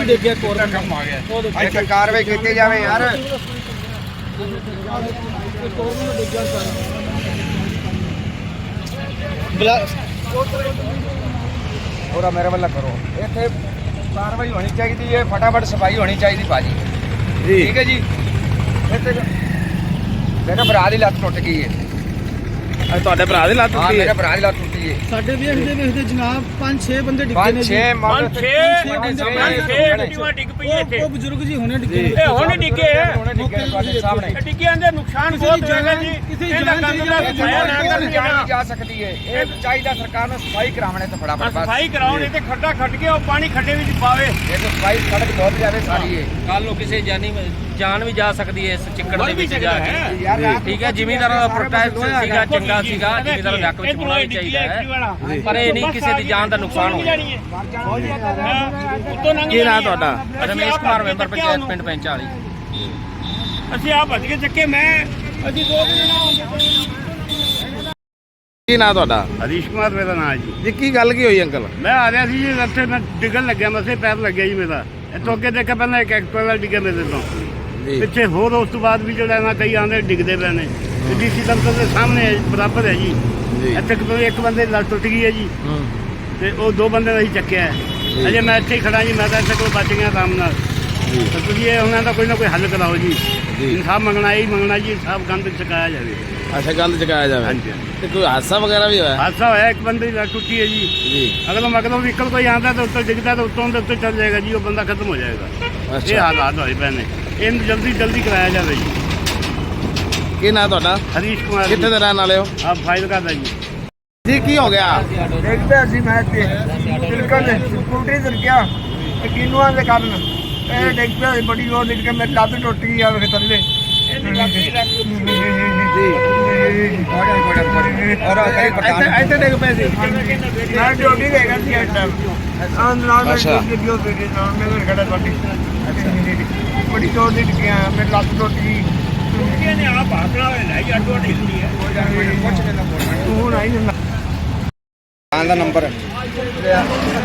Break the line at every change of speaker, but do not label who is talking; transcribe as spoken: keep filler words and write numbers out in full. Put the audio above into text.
ਵੀ ਡਿੱਗ ਗਿਆ ਕੋਰ
ਕੰਮ ਆ ਗਿਆ।
ਉਹ ਦੇਖੋ
ਇੱਥੇ ਕਾਰਵਾਈ ਕੀਤੀ ਜਾਵੇ ਯਾਰ।
ਕੋਰ ਨੂੰ ਡਿੱਗ ਗਿਆ ਸਾਰਾ
ਉਹਦਾ ਮੇਰੇ ਵੱਲ ਕਰੋ। ਇੱਥੇ ਕਾਰਵਾਈ ਹੋਣੀ ਚਾਹੀਦੀ ਹੈ, ਫਟਾਫਟ ਸਫਾਈ ਹੋਣੀ ਚਾਹੀਦੀ ਭਾਜੀ। ਠੀਕ ਹੈ ਜੀ। ਇੱਥੇ ਮੇਰੇ ਭਰਾ ਦੀ ਲੱਤ ਟੁੱਟ ਗਈ ਹੈ।
ਤੁਹਾਡੇ ਭਰਾ ਦੀ ਲੱਤ
ਹਾਂ
ਟੁੱਟੀ
ਮੇਰੇ
ਹੈ?
ਭਰਾ ਦੀ ਲੱਤ ਟੁੱਟੀ ਹੈ।
ਸਾਡੇ ਵੇਖਦੇ ਵੇਖਦੇ ਜਨਾਬ ਪੰਜ ਛੇ ਬੰਦੇ ਡਿੱਗੇ ਨੇ
ਪੰਜ
ਜੀ।
ਛੇ ਮੰਨ
ਪੰਜ ਛੇ ਐਕਟਿਵਾ ਡਿੱਗ ਪਈ ਇੱਥੇ।
ਉਹ ਬਜ਼ੁਰਗ ਜੀ ਹੁਣੇ ਡਿੱਗੇ ਨੇ।
ਇਹ ਹੁਣ ਡਿੱਗੇ ਆ।
ਹੁਣੇ ਡਿੱਗੇ ਤੁਹਾਡੇ ਸਾਹਮਣੇ।
ਇਹ ਡਿੱਗਿਆਂ ਦੇ ਨੁਕਸਾਨ ਬਹੁਤ ਹੋਏਗਾ ਜੀ। ਇਹਦਾ ਗੰਦ ਦਾ ਸਫਾਇਆ ਨਾ ਕਰਨ
ਜਾਣੀ ਜਾ ਸਕਦੀ ਹੈ। ਇਹ ਚਾਹੀਦਾ ਸਰਕਾਰ ਨੂੰ ਸਫਾਈ ਕਰਾਉਣੇ ਤੇ ਫਟਾਫਟ ਬਸ।
ਸਫਾਈ ਕਰਾਉਣ ਤੇ ਖੱਡਾ ਖੱਟ ਕੇ ਉਹ ਪਾਣੀ ਖੱਡੇ ਵਿੱਚ ਪਾਵੇ।
ਇਹ ਤਾਂ ਸਫਾਈ ਸੜਕ ਬਹੁਤ ਜਾਵੇ ਸਾਰੀ ਹੈ।
ਕੱਲ ਨੂੰ ਕਿਸੇ ਜਾਨੀ ਜਾਨ ਵੀ ਜਾ ਸਕਦੀ ਹੈ ਇਸ ਚਿੱਕੜ ਦੇ ਵਿੱਚ ਜਾ ਕੇ।
ਯਾਰ ਰਾਤ
ਠੀਕ ਹੈ, ਜ਼ਿਮੀਂਦਾਰਾਂ ਦਾ ਪ੍ਰੋਟੈਸਟ ਸੀਗਾ, ਚੰਗਾ ਸੀਗਾ, ਜ਼ਿਮੀਂਦਾਰਾਂ ਦੇ ਹੱਕ ਵਿੱਚ ਹੋਣਾ ਵੀ ਚਾਹੀਦਾ ਹੈ, ਪਰ ਇਹ ਨਹੀਂ ਕਿਸੇ ਦੀ ਜਾਨ ਦਾ ਨੁਕਸਾਨ ਹੋਵੇ।
ਕੀ ਨਾਂ ਤੁਹਾਡਾ?
ਰਮੇਸ਼ ਕੁਮਾਰ, ਮੈਂਬਰ ਪੰਚਾਇਤ ਪਿੰਡ ਪੈਂਚ ਵਾਲੀ।
ਅਸੀਂ ਆ ਭੱਜ ਕੇ ਚੱਕੇ ਮੈਂ ਅਸੀਂ ਦੋ
ਕੀ ਨਾਂ ਤੁਹਾਡਾ?
ਹਰੀਸ਼ ਕੁਮਾਰ ਮੇਰਾ ਨਾਮ ਹੈ ਜੀ।
ਜੀ ਕੀ ਗੱਲ ਕੀ ਹੋਈ ਅੰਕਲ?
ਮੈਂ ਆ ਰਿਹਾ ਸੀ ਜੀ ਰਸਤੇ ਮੈਂ ਡਿੱਗਣ ਲੱਗਿਆ, ਮਸੇ ਪੈਰ ਲੱਗਿਆ ਜੀ ਮੇਰਾ। ਇੱਥੋਂ ਅੱਗੇ ਦੇਖਿਆ ਪਹਿਲਾਂ ਇੱਕ ਐਕਟਿਵਾ ਡਿੱਗਿਆ ਮੇਰੇ ਤੋਂ ਪਿੱਛੇ, ਹੋਰ ਉਸ ਤੋਂ ਬਾਅਦ ਵੀ ਜਿਹੜਾ ਨਾ ਕਈ ਆਂਦੇ ਡਿੱਗਦੇ ਪਏ ਨੇ। ਡੀਸੀ ਦਫ਼ਤਰ ਦੇ ਸਾਹਮਣੇ ਹੈ, ਬਰਾਬਰ ਹੈ ਜੀ। ਇੱਥੇ ਇੱਕ ਬੰਦੇ ਦੀ ਲੱਤ ਟੁੱਟ ਗਈ ਹੈ ਜੀ, ਤੇ ਉਹ ਦੋ ਬੰਦੇ ਦਾ ਹੀ ਚੱਕਿਆ ਹੈ। ਅਜੇ ਮੈਂ ਇੱਥੇ ਹੀ ਖੜਾ ਜੀ, ਮੈਂ ਤਾਂ ਇੱਥੇ ਕੋਲ ਬਚ ਗਿਆ ਆਰਾਮ ਨਾਲ। ਤਾਂ ਤੁਸੀਂ ਇਹ ਉਹਨਾਂ ਦਾ ਕੋਈ ਨਾ ਕੋਈ ਹੱਲ ਕਰਾਓ ਜੀ। ਇਨਸਾਫ ਮੰਗਣਾ ਹੀ ਮੰਗਣਾ ਜੀ, ਇਨਸਾਫ ਗੰਦ ਚੁਕਾਇਆ ਜਾਵੇ।
ਅੱਛਾ, ਗੱਲ ਚੁਕਾਇਆ ਜਾਵੇ।
ਹਾਂਜੀ।
ਤੇ ਕੋਈ ਹਾਦਸਾ ਵਗੈਰਾ ਵੀ ਹੋਇਆ?
ਹਾਦਸਾ ਹੋਇਆ, ਇੱਕ ਬੰਦੇ ਦੀ ਲੱਤ ਟੁੱਟੀ ਹੈ ਜੀ।
ਜੀ।
ਅਗਰ ਮਗਰੋਂ ਵਹੀਕਲ ਕੋਈ ਆਉਂਦਾ ਤਾਂ ਉੱਤੇ ਡਿੱਗਦਾ ਤਾਂ ਉੱਤੋਂ ਦੇ ਉੱਤੇ ਚੱਲ ਜਾਏਗਾ ਜੀ, ਉਹ ਬੰਦਾ ਖਤਮ ਹੋ ਜਾਏਗਾ। ਇਹ
ਅੱਛਾ,
ਹਾਲਾਤ ਹੋਏ ਪਏ ਨੇ, ਇਹਨੂੰ ਜਲਦੀ ਜਲਦੀ ਕਰਾਇਆ ਜਾਵੇ ਜੀ।
ਕੀ ਨਾਂ ਤੁਹਾਡਾ?
ਹਰੀਸ਼ ਕੁਮਾਰ
ਕਿੱਥੇ ਦੇ ਰਹਿਣ ਵਾਲੇ ਹੋ?
ਆਪ ਫਾਈਲ ਕਰਦਾ ਜੀ।
ਜੀ ਕੀ ਹੋ ਗਿਆ?
ਦੇਖਦੇ ਅਸੀਂ ਮੈਂ ਤੇ ਬਿਲਕੁਲ ਸਕੂਟਰੀ ਤੇ ਗਿਆ ਕਿਨੂਆਂ ਦੇ ਕਾਰਨ ਇਹ ਦੇਖਦੇ ਬੜੀ ਹੋਰ ਨਿਕਲ ਕੇ ਮੇਰੀ ਲੱਤ ਟੁੱਟ ਗਈ ਆ ਵੇ ਥੱਲੇ।
ਇੱਥੇ ਡਿੱਗ ਪਏ ਸੀ?
ਮੈਂ ਡਿਊਟੀ ਤੇ ਹੈਗਾ ਸੀ ਇਸ ਟਾਈਮ। ਆਹ ਨਾਲ ਮੈਂ
ਅੱਛਾ।
ਵੀਡੀਓ ਤੇ ਨਾਲ ਮੈਂ ਘਰ ਖੜਾ ਤੁਹਾਡੀ ਬੜੀ ਜ਼ੋਰ ਦੀ ਡਿੱਗਿਆ, ਮੇਰੀ ਲੱਤ ਟੁੱਟ ਗਈ।
ਇਹਨੇ ਆ ਭਾਗਣਾ ਹੋਇਆ ਲੈ ਜੀ, ਅੱਡੋ ਅੱਡੀ ਹੁੰਦੀ ਹੈ।
ਤੂੰ ਹੁਣ ਆਈ ਜਾਂਦਾ ਦਾ ਨੰਬਰ